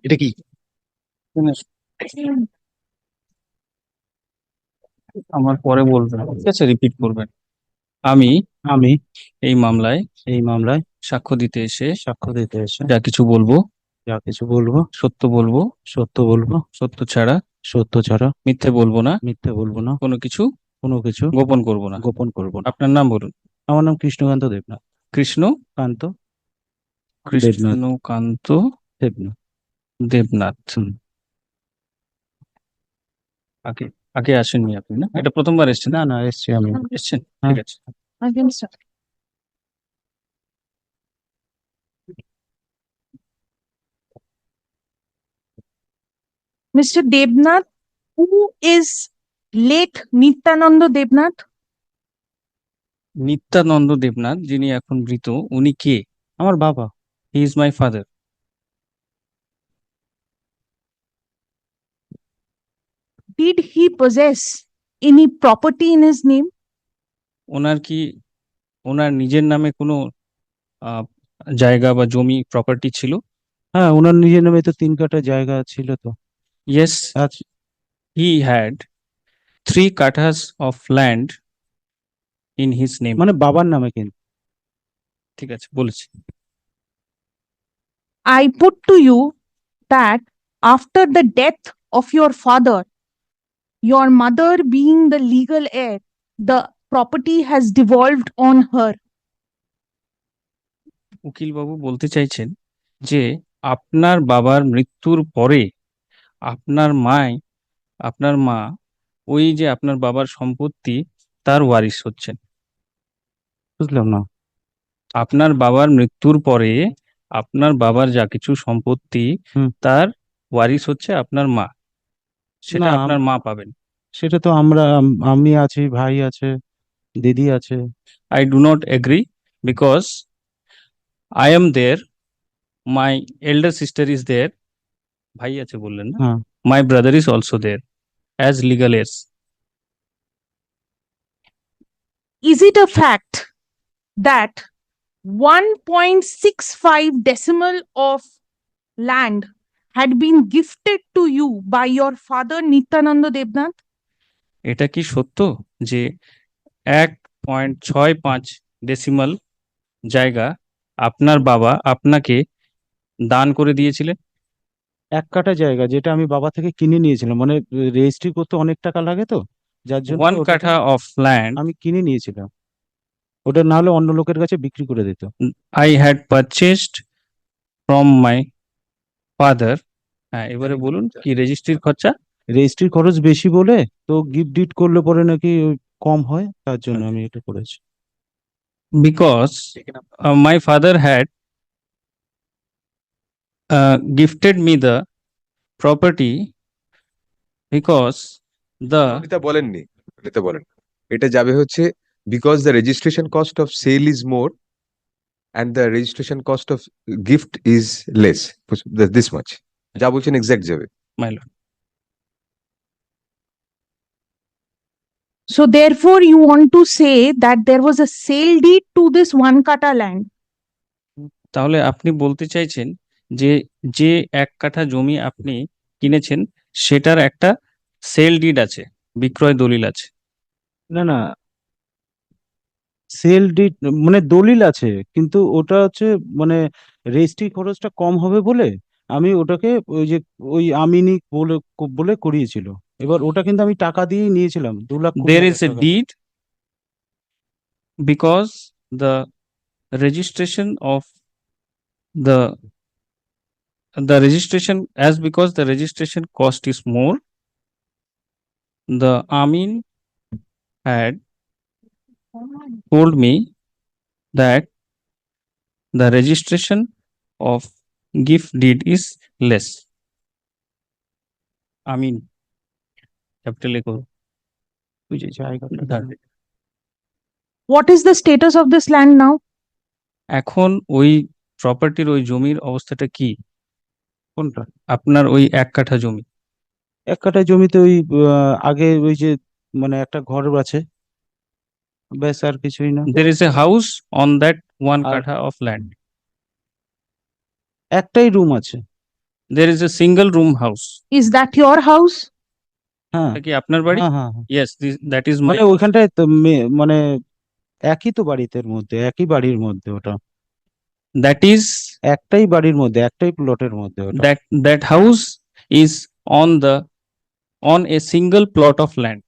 এটা কি? আমার পরে বলবেন, ঠিক আছে? রিপিট করবেন। আমি আমি এই মামলায় এই মামলায় সাক্ষ্য দিতে এসে সাক্ষ্য দিতে এসে যা কিছু বলবো যা কিছু বলবো সত্য বলবো, সত্য বলবো, সত্য ছাড়া সত্য ছাড়া মিথ্যে বলবো না, মিথ্যে বলবো না, কোনো কিছু কোনো কিছু গোপন করব না। গোপন করব না। আপনার নাম বলুন। আমার নাম কৃষ্ণকান্ত দেবনাথ। কৃষ্ণ কান্ত দেবনাথ। কৃষ্ণকান্ত দেবনাথ। দেবনাথ। হুম। আগে আগে আসেননি আপনি, না? এটা প্রথমবার এসেছেন? না না, এসছি আমি। এসেছেন, হ্যাঁ। ঠিক আছে। Mr. Debnath, who is late Nityananda Debnath? Nityananda Debnath যিনি এখন মৃত, উনি কে? আমার বাবা। He is my father. Did he possess any property in his name? ওনার কি ওনার নিজের নামে কোনো আহ, জায়গা বা জমি প্রপার্টি ছিল? হ্যাঁ, ওনার নিজের নামে তো 3 কাঠা জায়গা ছিল তো। ইয়েস, আচ্ছা। He had 3 kathas of land in his name. মানে বাবার নামে কিন্তু। ঠিক আছে, বলেছি। I put to you that after the death of your father, your mother being the legal heir, the property has devolved on her. উকিল বাবু বলতে চাইছেন যে আপনার বাবার মৃত্যুর পরে আপনার মাই আপনার মা ওই যে আপনার বাবার সম্পত্তি তার ওয়ারিশ হচ্ছেন। বুঝলাম না। আপনার বাবার মৃত্যুর পরে আপনার বাবার যা কিছু সম্পত্তি হুম। তার ওয়ারিশ হচ্ছে আপনার মা, না, সেটা আপনার মা পাবেন। সেটা তো আমি আছি, ভাই আছে, দিদি আছে। I do not agree, because I am there, my elder sister is there. ভাই আছে বললেন না? হ্যাঁ। My brother is also there as legal heirs. Is it a fact that 1.65 decimal of land had been gifted to you by your father Nityananda Debnath? এটা কি সত্য যে 1.65 decimal জায়গা আপনার বাবা আপনাকে দান করে দিয়েছিলেন? 1 কাঠা জায়গা যেটা আমি বাবা থেকে কিনে নিয়েছিলাম, মানে রেজিস্ট্রি করতে অনেক টাকা লাগে তো, যার জন্য ওয়ান ওটাকে কাঠা অফ ল্যান্ড আমি কিনে নিয়েছিলাম। ওটা না হলে অন্য লোকের কাছে বিক্রি করে দিত। I had purchased from my father. হ্যাঁ, এবারে বলুন কি রেজিস্ট্রির খরচা? রেজিস্ট্রির খরচ বেশি বলে, তো গিফট ডিড করলে পরে নাকি ওই কম হয়, তার জন্য আমি এটা করেছি। Because my father had gifted me the property because the এটা বলেননি, এটা বলেন। এটা যাবে হচ্ছে because the registration cost of sale is more and the registration cost of gift is less, this much যা বলছেন এক্সাক্ট যাবে। my lord, So, therefore, you want to say that there was a sale deed to this one kata land. তাহলে আপনি বলতে চাইছেন যে যে 1 কাঠা জমি আপনি কিনেছেন সেটার একটা সেল ডিড আছে, বিক্রয় দলিল আছে? না না, সেল ডিড মানে দলিল আছে, কিন্তু ওটা হচ্ছে মানে রেজিস্ট্রি খরচটা কম হবে বলে আমি ওটাকে ওই যে ওই আমিনি বলে বলে করিয়েছিল। এবার ওটা কিন্তু আমি টাকা দিয়েই নিয়েছিলাম, 2,20,000 There is a টাকা। deed because the registration of the registration, as because the registration cost is more, the Amin had told me that the registration of gift deed is less. Amin, capital A করো। ওই যে জায়গাটা দাঁড়ান। What is the status of this land now? এখন ওই প্রপার্টির ওই জমির অবস্থাটা কি? কোনটা? আপনার ওই 1 কাঠা জমি। 1 কাঠা জমিতে ওই আগে ওই যে মানে একটা ঘর আছে, ব্যাস, আর কিছুই না। There is a house on that one আর katha of land. একটাই রুম আছে। There is a single room house. Is that your house? হ্যাঁ এটা কি আপনার বাড়ি? হ্যাঁ হ্যাঁ হ্যাঁ। Yes, that is my. মানে ওইখানটায় তো মানে একই তো বাড়িতে মধ্যে, একই বাড়ির মধ্যে ওটা, That is একটাই বাড়ির মধ্যে, একটাই প্লটের মধ্যে ওটা। that house is on a single plot of land.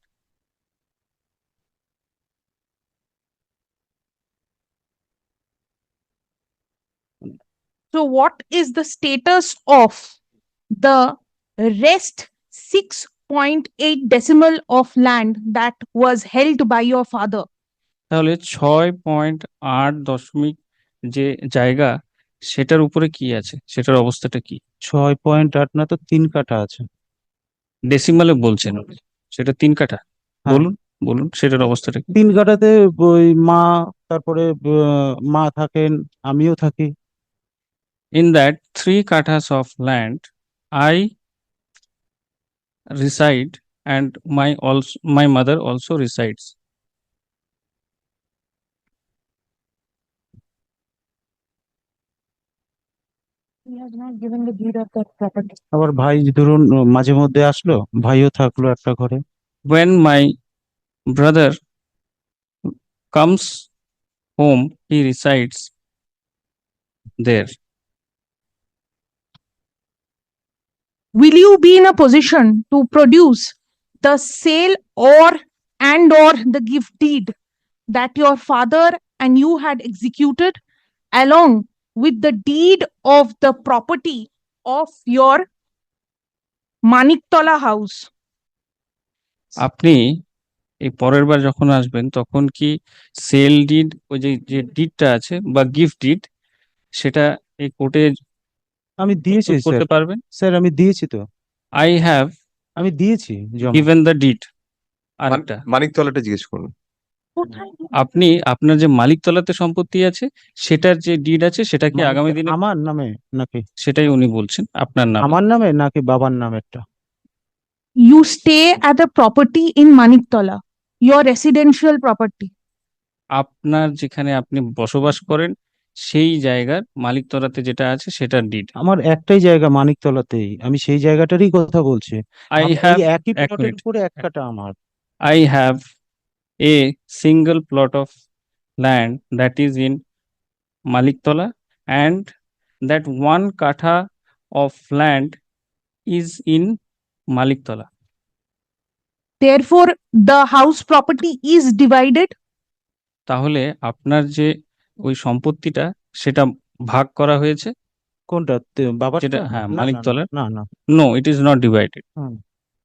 So what is the status of the rest 6.8 decimal of land that was held by your father? তাহলে 6.8 যে জায়গা সেটার উপরে কি আছে, সেটার অবস্থাটা কি? 6.8 না তো 3 কাঠা আছে। ডেসিমালে বলছেন, সেটা 3 কাঠা? হ্যাঁ। বলুন বলুন সেটার অবস্থাটা কি? 3 কাঠাতে ওই মা, তারপরে মা থাকেন, আমিও থাকি। In that 3 kathas of land, I reside and my mother also resides. He has not given the deed of that property. আবার ভাই ধরুন মাঝে মধ্যে আসলো, ভাইও থাকলো একটা ঘরে। When my brother comes home, he resides there. Will you be in a position to produce the sale or the gift deed that your father and you had executed along with the deed of the property of your Maniktola house? আপনি এই পরের বার যখন আসবেন তখন কি sale deed, ওই যে ডিডটা আছে বা গিফট ডিড, সেটা এই কোর্টে আমি দিয়েছি স্যার, করতে পারবেন? স্যার আমি দিয়েছি তো, I have আমি দিয়েছি জমা। given the deed. আরেকটা, মানিকতলাটা জিজ্ঞেস করুন। আপনি আপনার যে মালিকতলাতে সম্পত্তি আছে সেটার যে ডিড আছে সেটা কি আগামী দিনে, আমার নামে নাকি? সেটাই উনি বলছেন আপনার নাম। আমার নামে নাকি বাবার নামেরটা? You stay at a property in Maniktola, your residential property. আপনার যেখানে আপনি বসবাস করেন সেই জায়গার মালিকতলাতে যেটা আছে সেটার ডিড। আমার একটাই জায়গা মানিকতলাতেই, আমি সেই জায়গাটারই কথা বলছি। I এই have একই এক প্লটের মিনিট। উপরে এক কাঠা আমার। I have a single plot of land that is in Maliktola, and that 1 katha of land is in Maliktola. Therefore, the house property is divided. তাহলে আপনার যে ওই সম্পত্তিটা সেটা ভাগ করা হয়েছে, কোনটা বাবারটা? যেটা হ্যাঁ না, না, না, মালিকতলার। না না। No, it is not divided. Hmm.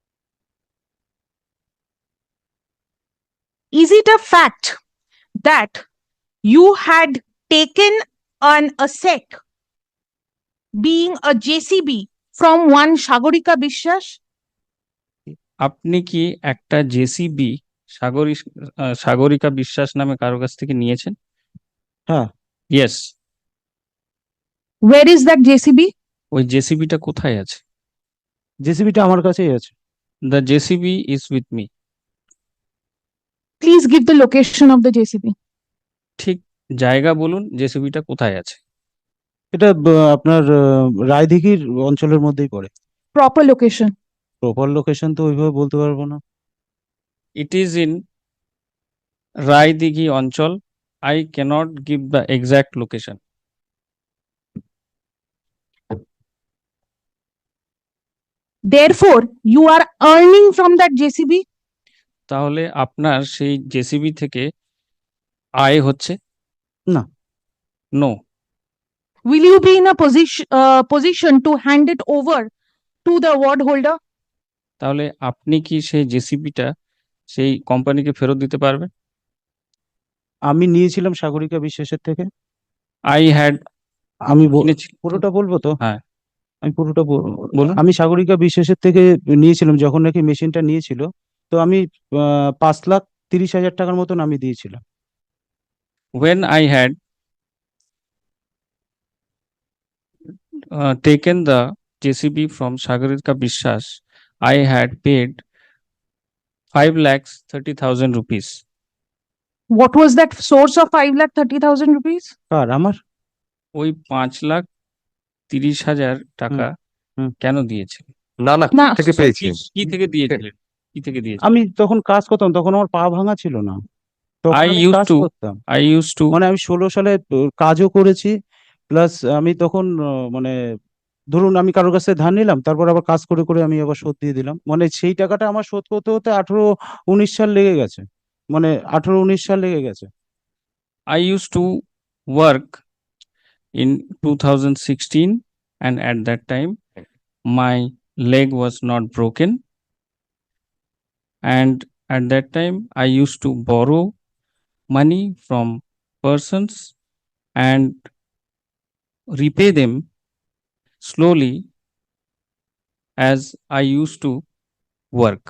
Is it a fact that you had taken an asset, being a JCB, from one Shagorika Bishwas? আপনি কি একটা জেসিবি সাগরিকা বিশ্বাস নামে কারো কাছ থেকে নিয়েছেন? হ্যাঁ। Yes. Where is that JCB? ওই জেসিবিটা কোথায় আছে? জেসিবিটা আমার কাছেই আছে। The JCB is with me. Please give the location of the JCB. ঠিক জায়গা বলুন, জেসিবিটা কোথায় আছে? এটা আপনার রায়দিঘির অঞ্চলের মধ্যেই পড়ে। Proper location. প্রপার লোকেশন তো ওইভাবে বলতে পারবো না। It is in রায়দিঘি অঞ্চল. I cannot give the exact location. Therefore, you are earning from that JCB. তাহলে আপনার সেই জেসিবি থেকে আয় হচ্ছে? না। No. Will you be in a position to hand it over to the award holder? তাহলে আপনি কি সেই জেসিবিটা সেই কোম্পানিকে ফেরত দিতে পারবেন? আমি নিয়েছিলাম সাগরিকা বিশ্বাসের থেকে। I had আমি কিনেছি। পুরোটা বলবো তো? হ্যাঁ। আমি পুরোটা বলুন। আমি সাগরিকা বিশ্বাসের থেকে নিয়েছিলাম যখন নাকি মেশিনটা নিয়েছিল, তো আমি 5,30,000 টাকার মতন আমি দিয়েছিলাম। When I had taken the JCB from Sagarika Bishwas, I had paid 5,30,000 rupees. What was that source of 5,30,000 rupees? কার? আমার? ওই 5,30,000 টাকা হুম। কেন দিয়েছিলেন? না না না, থেকে কি পেয়েছেন? কি থেকে দিয়েছিলেন? কি থেকে দিয়েছিলেন? আমি তখন কাজ করতাম, তখন আমার পা ভাঙা ছিল না, তখন I আমি used কাজ to করতাম। I used to মানে আমি 16 সালে কাজও করেছি, প্লাস আমি তখন মানে ধরুন আমি কারোর কাছে ধার নিলাম, তারপর আবার কাজ করে করে আমি আবার শোধ দিয়ে দিলাম, মানে সেই টাকাটা আমার শোধ করতে হতে 18-19 সাল লেগে গেছে, মানে 18-19 সাল লেগে গেছে। I used to work in 2016, and at that time my leg was not broken, and at that time I used to borrow money from persons and repay them slowly as I used to work.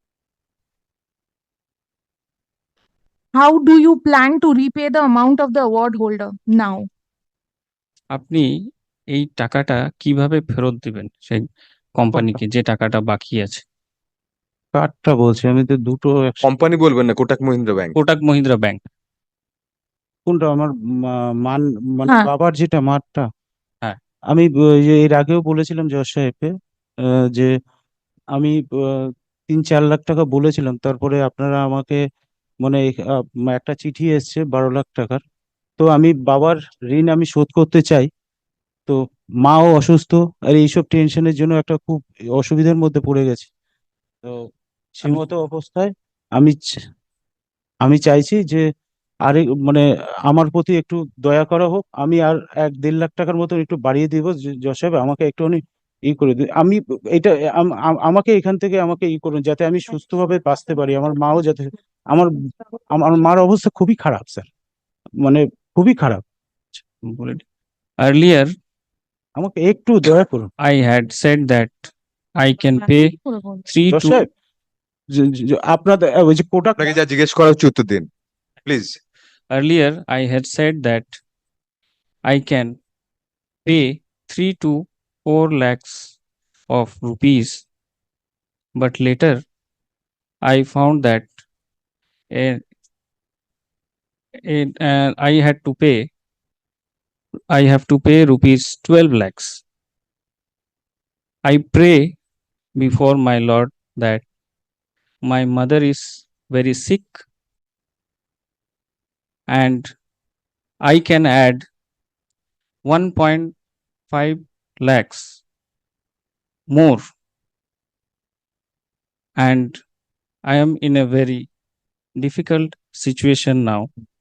how do you plan to repay the amount of the award holder now? আপনি এই টাকাটা কিভাবে ফেরত দিবেন সেই কোম্পানিকে, যে টাকাটা বাকি আছে? কার্ডটা বলছি, আমি তো দুটো একসাথে। কোম্পানি বলবেন না, কোটাক মহিন্দ্রা ব্যাংক। কোটাক মহিন্দ্রা ব্যাংক। কোনটা আমার মান, মানে হ্যাঁ। বাবার যেটা মাঠটা? হ্যাঁ। আমি ওই যে এর আগেও বলেছিলাম জজ সাহেবকে, যে আমি 3-4 লাখ টাকা বলেছিলাম, তারপরে আপনারা আমাকে মানে একটা চিঠি এসছে 12 লাখ টাকার। তো আমি বাবার ঋণ আমি শোধ করতে চাই, তো মাও অসুস্থ, আর এইসব টেনশনের জন্য একটা খুব অসুবিধার মধ্যে পড়ে গেছি। তো সেই আমি- মতো অবস্থায় আমি আমি চাইছি যে আরে মানে আমার প্রতি একটু দয়া করা হোক, আমি আর 1-1.5 লাখ টাকার মতন একটু বাড়িয়ে দিব, জজ সাহেব আমাকে একটুখানি করে দিন। আমি এটা আমাকে এখান থেকে আমাকে করুন, যাতে আমি সুস্থভাবে বাঁচতে পারি, আমার মাও যাতে, আমার আমার মার অবস্থা খুবই খারাপ স্যার, মানে খুবই খারাপ, বলে দিই। Earlier আমাকে একটু দয়া করুন। I had said that I can pay 3 জজ to সাহেব, আপনাদের ওই যে কোটাক, আপনাকে যা জিজ্ঞেস করা হচ্ছে উত্তর দিন please. earlier I had said that I can pay 3 to 4 lakhs of rupees, but later I found that I had to pay, I have to pay rupees 12 lakhs. I pray before my Lord that my mother is very sick and I can add 1.5 lakhs more, and I am in a very difficult situation now.